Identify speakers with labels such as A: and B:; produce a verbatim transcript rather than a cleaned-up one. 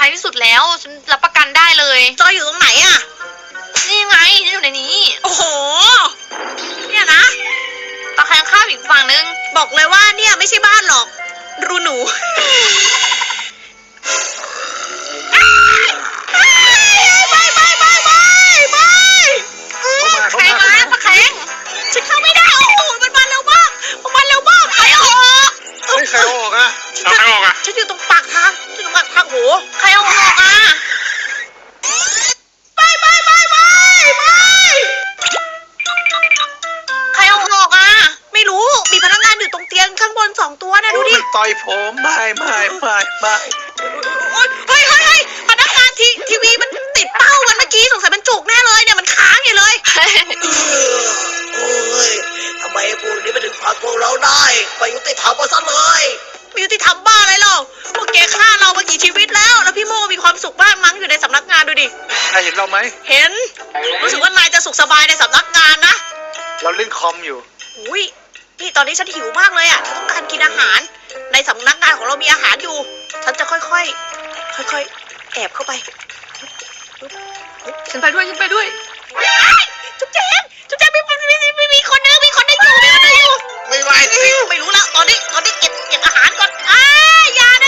A: ายที่สุดแล้วฉันรับประกันได้เลย
B: จอยอยู่ตรงไหนอะ
A: นี่ไงฉันอยู่ในนี้
B: โอ้โหเนี่ยนะ
A: ตะแคงข้ามอีกฝั่งนึง
B: บอกเลยว่าเนี่ยไม่ใช่บ้านหรอกรูหนูไปไปไปไปไป
A: แข็งมาตะแคง
B: ฉันเข้าไม่ได้โอ้โหมันมาเร็วมากมันมาเร็วมากใครออก
C: เฮ้ยใครออกอ่ะเอาใครออกอ่ะ
B: ฉันอยู่ตรงปากทางฉันอยู่ตรงปากทางโห
A: ใครเอาออกอ่ะ
B: ไปไปไปไปไป
A: ใครเอาออกอ่ะ
B: ไม่รู้มีพนักงานอยู่ตรงเตียงข้างบนสองตัวนะดูดิ
C: มันต่อยผมไม่ไม่ไม่ไม่
B: เฮ้ยเฮ้ยเฮ้ยพนักงานทีทีวีมันติดเป้ามันเมื่อกี้สงสัยมันจุกแน่เลยเนี่ยมันค้างอยู่เลยโอ้ยทำไมพวกนี้มันถึงพักพวกเราได้ไม่ยุติธรรมมาซะเลยไม่ยุติธรรมบ้าอะไรหรอกพวกแกฆ่าเรามากี่ชีวิตแล้วแล้วพี่โมมีความสุขมากมั้งอยู่ในสำนักงานดูดิ
C: นายเห็นเราไหม
B: เห็นรู้สึกว่านายจะสุขสบายในสำนักงานนะ
C: เราเล่นคอมอยู่
B: อุ้ยนี่ตอนนี้ฉันหิวมากเลยอ่ะฉันต้องการกินอาหาร ในสำนักงานของเรามีอาหารอยู่ ฉันจะค่อยๆ ค่อยๆ แอบเข้าไป
A: ฉันไปด้วยฉันไปด้วย
B: จุ๊บแจงจุ๊บแจงมีมีมีมีมีคนนึงมีคนนึงอยู่มีคนนึงอยู่
C: ไม่ไหวสิ
B: ไม่รู้ละตอนนี้ตอนนี้เก็บเก็บอาหารก่อนอ้าอย่านะ